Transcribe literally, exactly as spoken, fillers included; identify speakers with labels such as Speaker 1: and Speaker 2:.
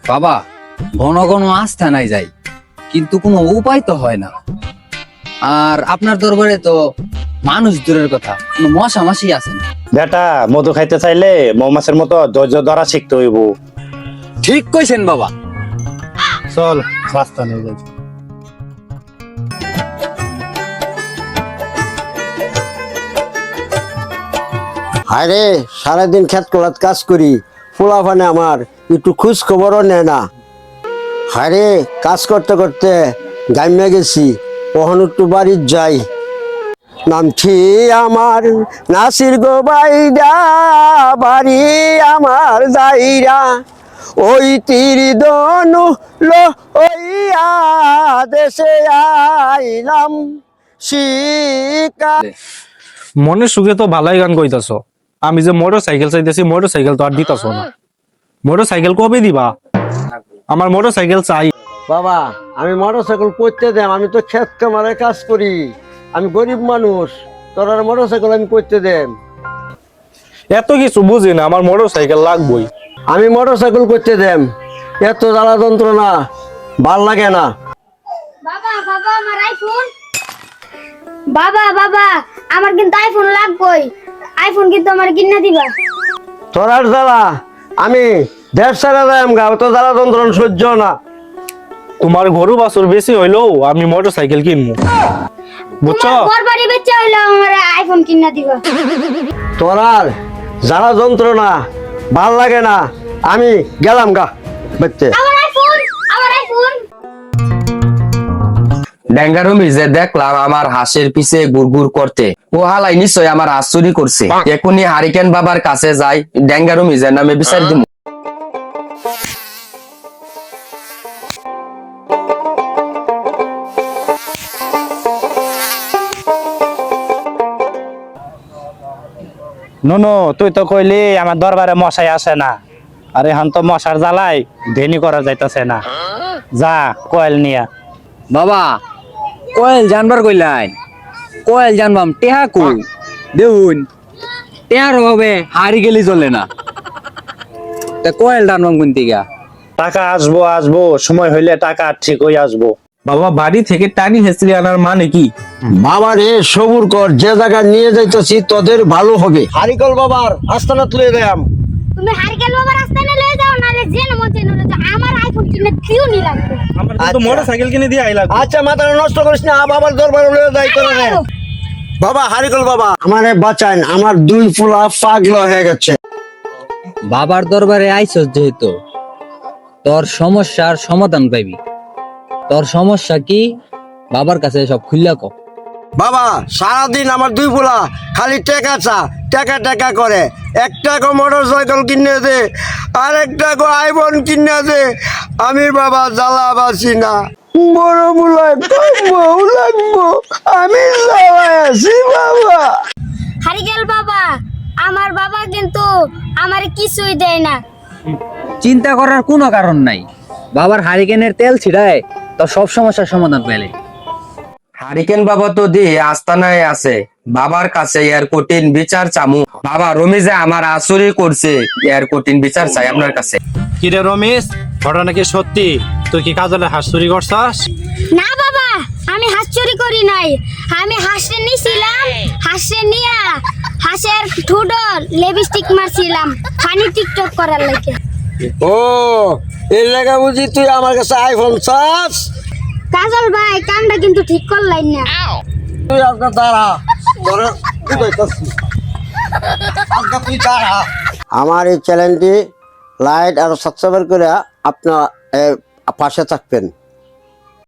Speaker 1: বাবা ঘন ঘন আস্থা নাই যাই, কিন্তু কোনো উপায় তো হয় না। আর আপনার দরবারে তো মানুষ দূরের কথা, কোনো মশা মাসি আছে না।
Speaker 2: বেটা মধু খাইতে চাইলে মৌমাছির মতো ধৈর্য ধরা শিখতে হইব।
Speaker 1: ঠিক কইছেন বাবা।
Speaker 2: চল রাস্তা নিয়ে যাই।
Speaker 3: আরে সারাদিন খেত কলাত কাজ করি, পোলাপানে আমার একটু খোঁজ খবরও নেয় না। আরে কাজ করতে করতে গাইমে গেছি, কখন একটু বাড়ির যাই। নামছি আমার নাসির গো বাইরা, বাড়ি আমার যাইরা, ওই তীর দনু লো ওইয়া দেশে আইলাম শিকা।
Speaker 4: মনের সুখে তো ভালোই গান কইতাছ, আমি যে মোটর সাইকেল চাইতেছি মোটর সাইকেল তো আর দিতাছ না। মোটর সাইকেল কবে দিবা? আমার মোটর সাইকেল চাই।
Speaker 3: বাবা আমি মোটরসাইকেল করতে দেম, আমি তো ক্ষেত কামারে কাজ করি, আমি গরিব মানুষ, তোর আর মোটরসাইকেল আমি করতে দেম।
Speaker 4: এত কিছু বুঝি না, আমার মোটর সাইকেল লাগবই।
Speaker 3: আমি মোটরসাইকেল করতে দেম, এত জ্বালা যন্ত্রণা ভাল লাগে না।
Speaker 5: বাবা বাবা আমার আইফোন, বাবা বাবা আমার কিন্তু আইফোন লাগবেই, আইফোন কিন্তু আমার কিনে দিবা।
Speaker 3: তোর আর জ্বালা আমি দেড় সারা দেম গা, তো জ্বালা যন্ত্রণা সহ্য না।
Speaker 4: তোমার গরু বাছুর বেশি হইলেও আমি মোটর সাইকেল কিনবো, বুঝছো?
Speaker 5: তোমার বাড়ি বেচে হইলো আমার আইফোন কিনে দিবা।
Speaker 3: তোর আর জ্বালা যন্ত্রণা ভাল লাগে না, আমি গেলাম গা বেচতে।
Speaker 5: আমার আইফোন, আমার আইফোন।
Speaker 1: ড্যাঙ্গারুমি যে দেখলাম আমার হাঁসের পিছে গুড়গুড় করতে, ও হালাই নিশ্চয় আমার হাঁস চুরি করছে। এখনই হারিকেন বাবার কাছে যাই, ড্যাঙ্গারুমি যে নামে বিচার দিব।
Speaker 2: নুনু তুই তো কইলি আমার দরবারে মশাই আসে না, আর এখন তো মশার জ্বালাই ধেনি করা যাইতেছে না। যা কয়েল নিয়া।
Speaker 1: বাবা কয়েল জানবার কইলাই, কয়েল জানবাম টেহা কই দেখুন, টেহার অভাবে হারি গেলি চলে না। তা কয়েল জানবাম কোন দিকে?
Speaker 2: টাকা আসবো আসবো সময় হইলে টাকা ঠিক হয়ে আসবো।
Speaker 4: বাবা বাড়ি থেকে টানি হেসলি আনার মানে কি?
Speaker 3: বাবা রে সবুর কর, যে জায়গায় নিয়ে যাইতেছি তোদের ভালো হবে। হারিকল বাবার আস্তানা তুলে দেয়াম।
Speaker 5: তুমি হারিকেন বাবার রাস্তায় না লয়ে যাও, নালে জেন মতে নলে যাও, আমার আইফোন কিনে দিও নি লাগবে।
Speaker 4: আমার তো
Speaker 3: আচ্ছা।
Speaker 4: মোটর সাইকেল কিনে দিয়ে আইলা।
Speaker 3: আচ্ছা মাথা নষ্ট করিস না, বাবার দরবারে লয়ে যাই তোরা রে। বাবা হারিকল বাবা আমারে বাঁচান, আমার দুই ফুলা পাগল হয়ে গেছে।
Speaker 1: বাবার দরবারে আইছস যেহেতু, তোর সমস্যার সমাধান পাইবি। তোর সমস্যা কি বাবার কাছে সব খুললা কও।
Speaker 3: বাবা সারাদিন আমার দুই ফুলা খালি টেকা চা, টেকা টেকা করে। একটা গো মোটর সাইকেল কিনে দে, আর একটা গো আইফোন কিনে দে, আমি বাবা জ্বালা বাসি না। বড় মুলায় বউ লাগবো, আমি জ্বালায় আছি বাবা।
Speaker 5: হারিকেল বাবা, আমার বাবা কিন্তু আমার কিছুই দেয় না।
Speaker 1: চিন্তা করার কোনো কারণ নাই, বাবার হারিকেনের তেল ছিড়ায় তোর সব সমস্যার সমাধান পেলে। হারিকেন বাবা তো দিয়ে আস্তানায় আছে, বাবার কাছে এর কঠিন বিচার চামু। বাবা রমিজে আমার আসুরি করছে, এর কঠিন বিচার চাই আপনার কাছে।
Speaker 4: কিরে রমেশ, ঘটনা কি সত্যি? তুই কি কাজলে হাঁস চুরি করছাস?
Speaker 5: না বাবা, আমি হাঁস চুরি করি নাই, আমি হাঁসে নিছিলাম, হাঁসে নিয়া হাঁসের ঠুডো লিপস্টিক মারছিলাম ফানি টিকটক করার লাগে।
Speaker 3: ও এই জায়গা বুঝি তুই আমার কাছে আইফোন চাস?
Speaker 5: কাজল ভাই কামটা কিন্তু ঠিক করলাই না।
Speaker 3: তুই আপনার দাঁড়া, ধরে কি কইতাছিস? আপনার তুই দাঁড়া। আমার এই চ্যানেলটি লাইক আর সাবস্ক্রাইব করে আপনার পাশে থাকবেন।